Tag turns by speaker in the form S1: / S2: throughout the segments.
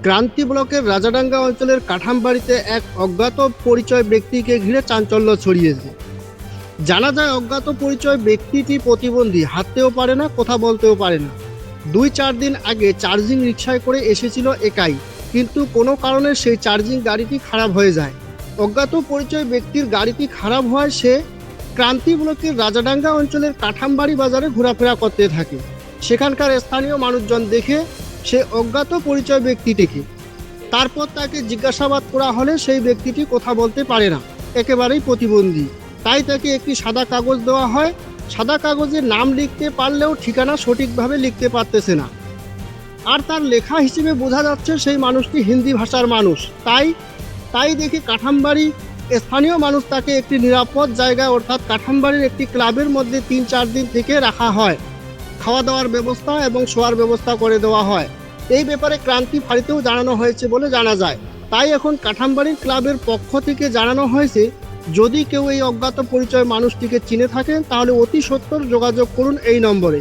S1: ক্রান্তি ব্লকের রাজাডাঙ্গা অঞ্চলের কাঠামবাড়িতে এক অজ্ঞাত পরিচয় ব্যক্তিকে ঘিরে চাঞ্চল্য ছড়িয়েছে। জানা যায় অজ্ঞাত পরিচয় ব্যক্তিটি প্রতিবন্ধী, হাঁটতেও পারে না, কথা বলতেও পারে না। 2-4 দিন আগে চার্জিং রিকশায় করে এসেছিল একাই, কিন্তু কোনো কারণে সেই চার্জিং গাড়িটি খারাপ হয়ে যায়। অজ্ঞাত পরিচয় ব্যক্তির গাড়িটি খারাপ হওয়ায় সে ক্রান্তি ব্লকের রাজাডাঙ্গা অঞ্চলের কাঠামবাড়ি বাজারে ঘোরাফেরা করতে থাকে। সেখানকার স্থানীয় মানুষজন দেখে সে অজ্ঞাত পরিচয় ব্যক্তিটিকে, তারপর তাকে জিজ্ঞাসাবাদ করা হলে সেই ব্যক্তিটি কথা বলতে পারে না, একেবারেই প্রতিবন্ধী। তাই তাকে একটি সাদা কাগজ দেওয়া হয়। সাদা কাগজে নাম লিখতে পারলেও ঠিকানা সঠিকভাবে লিখতে পারতেছে না। আর তার লেখা হিসেবে বোঝা যাচ্ছে সেই মানুষটি হিন্দি ভাষার মানুষ। তাই দেখে কাঠামবাড়ি স্থানীয় মানুষ তাকে একটি নিরাপদ জায়গায় অর্থাৎ কাঠামবাড়ির একটি ক্লাবের মধ্যে 3-4 দিন থেকে রাখা হয়। খাওয়া দাওয়ার ব্যবস্থা এবং শোয়ার ব্যবস্থা করে দেওয়া হয়। এই ব্যাপারে ক্রান্তি ফাঁড়িতেও জানানো হয়েছে বলে জানা যায়। তাই এখন কাঠামবাড়ির ক্লাবের পক্ষ থেকে জানানো হয়েছে, যদি কেউ এই অজ্ঞাত পরিচয় মানুষটিকে চিনে থাকেন তাহলে অতি সত্বর যোগাযোগ করুন এই নম্বরে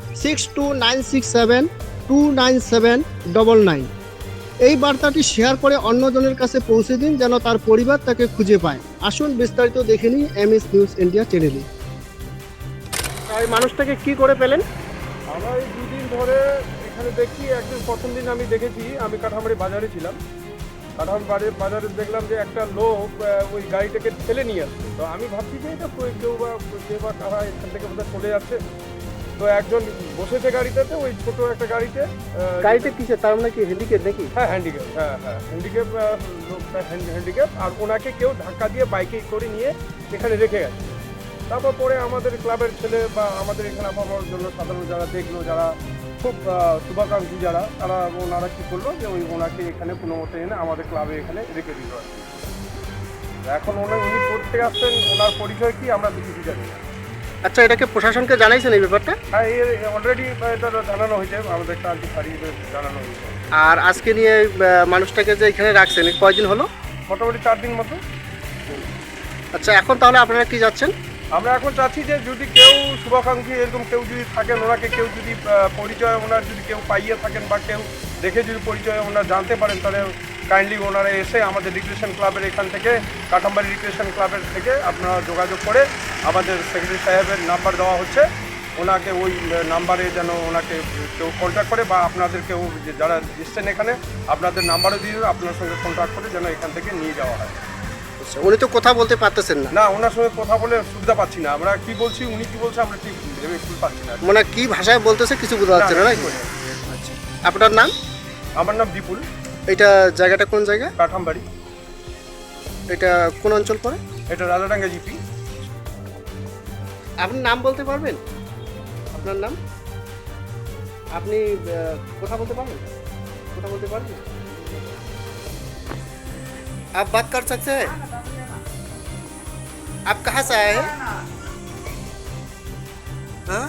S1: 6296729799। এই বার্তাটি শেয়ার করে অন্যজনের কাছে পৌঁছে দিন যেন তার পরিবার তাকে খুঁজে পায়। আসুন বিস্তারিত দেখে নিই এমএস নিউজ ইন্ডিয়া চ্যানেলে। এই মানুষটাকে কি করে পেলেন?
S2: আমরা এই 2 দিন ধরে এখানে দেখছি। একদিন প্রথম দিন আমি দেখেছি, আমি কাঠামবাড়ি বাজারে ছিলাম। কাঠামবাড়ি বাজারে দেখলাম যে একটা লোক ওই গাড়িটাকে ঠেলে নিয়ে আসছে। তো আমি ভাবছি যে এটা কেউ বা কারা এখান থেকে বোধহয় চলে যাচ্ছে। তো একজন বসেছে গাড়িটাতে, ওই ছোট একটা গাড়িতে।
S1: গাড়িতে কিসে, তার মানে কি হ্যান্ডিক্যাপ নাকি?
S2: হ্যাঁ, হ্যান্ডিক্যাপ। হ্যাঁ, লোকটা হ্যান্ডিক্যাপ। আর ওনাকে কেউ ধাক্কা দিয়ে বাইকে করে নিয়ে এখানে রেখে গেছে। তারপর পরে আমাদের ক্লাবের ছেলে বা আমাদের এখানে আবহাওয়ার জন্য সাধারণ যারা দেখলো, যারা খুব শুভাকাঙ্ক্ষী যারা, ওনারা কী করলো যে ওনাকে এখানে কোনো মতো এনে আমাদের ক্লাবে এখানে রেখে দিল আর কি। এখন উনি করতে আসছেন, ওনার পরিচয় কি আমরা তো কিছু জানি না।
S1: আচ্ছা, এটাকে প্রশাসনকে জানাইছেন এই ব্যাপারটা?
S2: হ্যাঁ, অলরেডি এটা জানানো হয়েছে, আমাদের ক্রান্তি ফাঁড়িতে জানানো হয়েছে।
S1: আর আজকে নিয়ে মানুষটাকে যে এখানে রাখছেন কয়দিন হলো?
S2: মোটামুটি 4 দিন মতো।
S1: আচ্ছা, এখন তাহলে আপনারা কি যাচ্ছেন?
S2: আমরা এখন চাচ্ছি যে যদি কেউ শুভাকাঙ্ক্ষী এরকম কেউ যদি থাকেন, ওনাকে কেউ যদি পরিচয় ওনার যদি কেউ পাইয়ে থাকেন বা কেউ দেখে যদি পরিচয় ওনার জানতে পারেন, তাহলে কাইন্ডলি ওনারা এসে আমাদের রিক্রিয়েশন ক্লাবের এখান থেকে, কাঠামবাড়ি রিক্রিয়েশন ক্লাবের থেকে আপনারা যোগাযোগ করে, আমাদের সেক্রেটারি সাহেবের নাম্বার দেওয়া হচ্ছে, ওনাকে ওই নাম্বারে যেন ওনাকে কেউ কন্ট্যাক্ট করে, বা আপনাদের কেউ যারা এসছেন এখানে আপনাদের নাম্বারও দিয়ে আপনার সঙ্গে কন্ট্যাক্ট করে যেন এখান থেকে নিয়ে যাওয়া হয়।
S1: উনি তো কথা বলতে পারতেছেন না।
S2: না, ওনার সঙ্গে কথা বলে সুবিধা পাচ্ছি না। আমরা কি বলছি, উনি কি বলছে আমরা ঠিক ভেবে ফুল পাচ্ছি না।
S1: মানে কি ভাষায় বলতেছে কিছু বোঝা যাচ্ছে না। আচ্ছা, আপনার নাম?
S2: আমার নাম বিপুল।
S1: এটা জায়গাটা কোন জায়গা?
S2: কাঠামবাড়ি।
S1: এটা কোন অঞ্চল পড়ে?
S2: এটা রাজাডাঙ্গা জিপি।
S1: আপনি নাম বলতে পারবেন? আপনার নাম? আপনি কথা বলতে পারবেন? কথা বলতে পারবেন? आप बात कर सकते हैं? आप कहाँ से आए हैं? हाँ?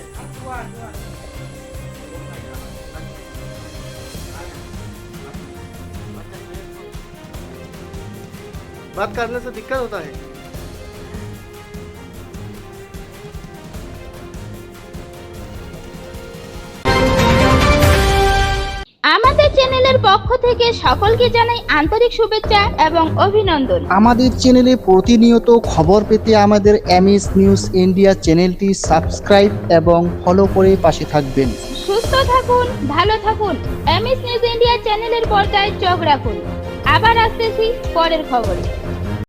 S1: बात करने से दिक्कत होता है।
S3: আমাদের চ্যানেলের পক্ষ থেকে সকলকে জানাই আন্তরিক শুভেচ্ছা এবং অভিনন্দন।
S4: আমাদের চ্যানেলে প্রতিনিয়ত খবর পেতে আমাদের এমএস নিউজ ইন্ডিয়া চ্যানেলটি সাবস্ক্রাইব এবং ফলো করে পাশে থাকবেন।
S3: সুস্থ থাকুন, ভালো থাকুন। এমএস নিউজ ইন্ডিয়া চ্যানেলের পর্দায় চোখ রাখুন। আবার আসতেছি পরের খবরে।